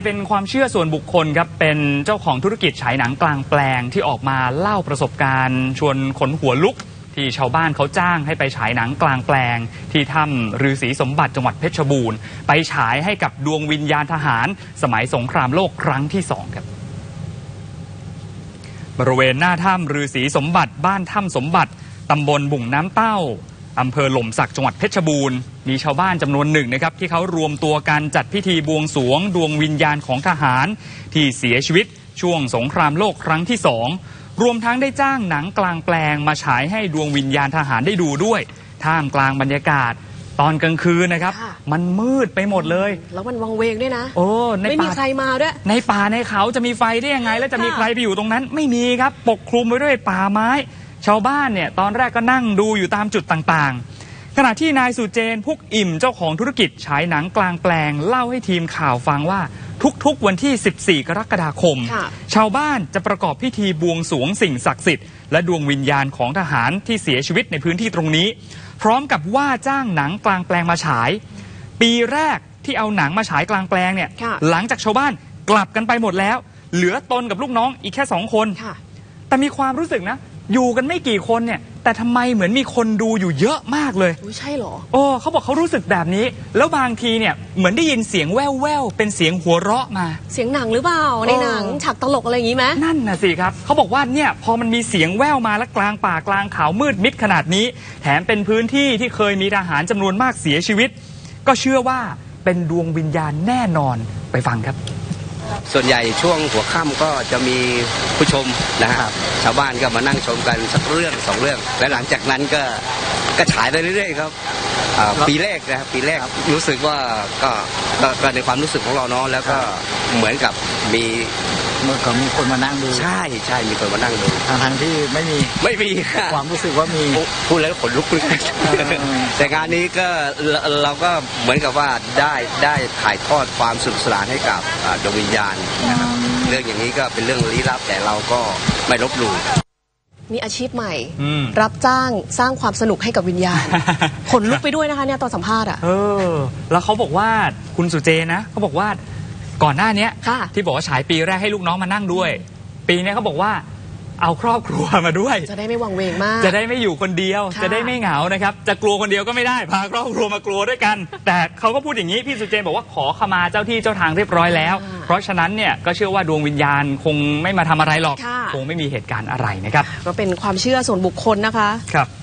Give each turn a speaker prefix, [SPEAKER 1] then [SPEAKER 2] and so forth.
[SPEAKER 1] เป็นความเชื่อส่วนบุคคลครับเป็นเจ้าของธุรกิจฉายหนังกลางแปลงที่ออกมาเล่าประสบการณ์ชวนขนหัวลุกที่ชาวบ้านเขาจ้างให้ไปฉายหนังกลางแปลงที่ถ้ำฤาษีสมบัติจังหวัดเพชรบูรณ์ไปฉายให้กับดวงวิญญาณทหารสมัยสงครามโลกครั้งที่2ครับบริเวณหน้าถ้ำฤาษีสมบัติบ้านถ้ำสมบัติตำบลบุ่งน้ำเต้าอำเภอหล่มสักจังหวัดเพชรบูรณ์มีชาวบ้านจำนวนหนึ่งนะครับที่เขารวมตัวกันจัดพิธีบวงสรวงดวงวิญญาณของทหารที่เสียชีวิตช่วงสงครามโลกครั้งที่2รวมทั้งได้จ้างหนังกลางแปลงมาฉายให้ดวงวิญญาณทหารได้ดูด้วยท่ามกลางบรรยากาศตอนกลางคืนนะครับมันมืดไปหมดเลย
[SPEAKER 2] แล้วมันวังเวงด้วยนะ
[SPEAKER 1] ไม่
[SPEAKER 2] มีใครมาด้วย
[SPEAKER 1] ในป่าในเขาจะมีไฟได้ยังไงแล้วจะมีใครไปอยู่ตรงนั้นไม่มีครับปกคลุมไว้ด้วยป่าไม้ชาวบ้านเนี่ยตอนแรกก็นั่งดูอยู่ตามจุดต่างๆขณะที่นายสุเจนพุกอิ่มเจ้าของธุรกิจฉายหนังกลางแปลงเล่าให้ทีมข่าวฟังว่าทุกๆวันที่14กรกฎาคมชาวบ้านจะประกอบพิธีบวงสรวงสิ่งศักดิ์สิทธิ์และดวงวิญญาณของทหารที่เสียชีวิตในพื้นที่ตรงนี้พร้อมกับว่าจ้างหนังกลางแปลงมาฉายปีแรกที่เอาหนังมาฉายกลางแปลงเนี่ยหลังจากชาวบ้านกลับกันไปหมดแล้วเหลือตนกับลูกน้องอีกแค่2 คนแต่มีความรู้สึกนะอยู่กันไม่กี่คนเนี่ยแต่ทำไมเหมือนมีคนดูอยู่เยอะมากเลย
[SPEAKER 2] ใช่หรอ
[SPEAKER 1] เขาบอกเขารู้สึกแบบนี้แล้วบางทีเนี่ยเหมือนได้ยินเสียงแว่วๆเป็นเสียงหัวเราะมา
[SPEAKER 2] เสียงหนังหรือเปล่าในหนังฉากตลกอะไรอย่างนี้ไหม
[SPEAKER 1] นั่นน่ะสิครับเขาบอกว่าเนี่ยพอมันมีเสียงแว่วมาและกลางป่ากลางเขามืดมิดขนาดนี้แถมเป็นพื้นที่ที่เคยมีทหารจำนวนมากเสียชีวิตก็เชื่อว่าเป็นดวงวิญญาณแน่นอนไปฟังครับ
[SPEAKER 3] ส่วนใหญ่ช่วงหัวค่ำก็จะมีผู้ชมนะครับชาวบ้านก็มานั่งชมกันสักเรื่อง2 เรื่องและหลังจากนั้นก็ฉายไปเรื่อยๆครับปีแรกนะครับปีแรกรู้สึกว่าก็ในความรู้สึกของเราเนาะแล้วก็เหมือนกับมี
[SPEAKER 4] คนมานั่งดู
[SPEAKER 3] ใช่มีคนมานั่งดู
[SPEAKER 4] ทั้งที่ไม่มีความรู้สึกว่ามี
[SPEAKER 3] พูดแล้วขนลุกเลยแต่งานนี้ก็เราก็เหมือนกับว่าได้ถ่ายทอดความสนุกสนานให้กับดวงวิญญาณนะครับเรื่องอย่างนี้ก็เป็นเรื่องลี้ลับแต่เราก็ไม่ลบหลู่
[SPEAKER 2] มีอาชีพใหม่รับจ้างสร้างความสนุกให้กับวิญญาณขนลุกไปด้วยนะคะเนี่ยตอนสัมภาษณ์
[SPEAKER 1] แล้วเขาบอกว่าคุณสุเจนะเขาบอกว่าก่อนหน้านี้ที่บอกว่าฉายปีแรกให้ลูกน้องมานั่งด้วยปีนี้เขาบอกว่าเอาครอบครัวมาด้วย
[SPEAKER 2] จะได้ไม่วังเวงมาก
[SPEAKER 1] จะได้ไม่อยู่คนเดียวจะได้ไม่เหงานะครับจะกลัวคนเดียวก็ไม่ได้พาครอบครัวมากลัวด้วยกันแต่เขาก็พูดอย่างนี้พี่สุเจนบอกว่าขอขมาเจ้าที่เจ้าทางเรียบร้อยแล้วเพราะฉะนั้นเนี่ยก็เชื่อว่าดวงวิญญาณคงไม่มาทำอะไรหรอกคงไม่มีเหตุการณ์อะไรนะครับ
[SPEAKER 2] ก็เป็นความเชื่อส่วนบุคคลนะคะ
[SPEAKER 1] ครับ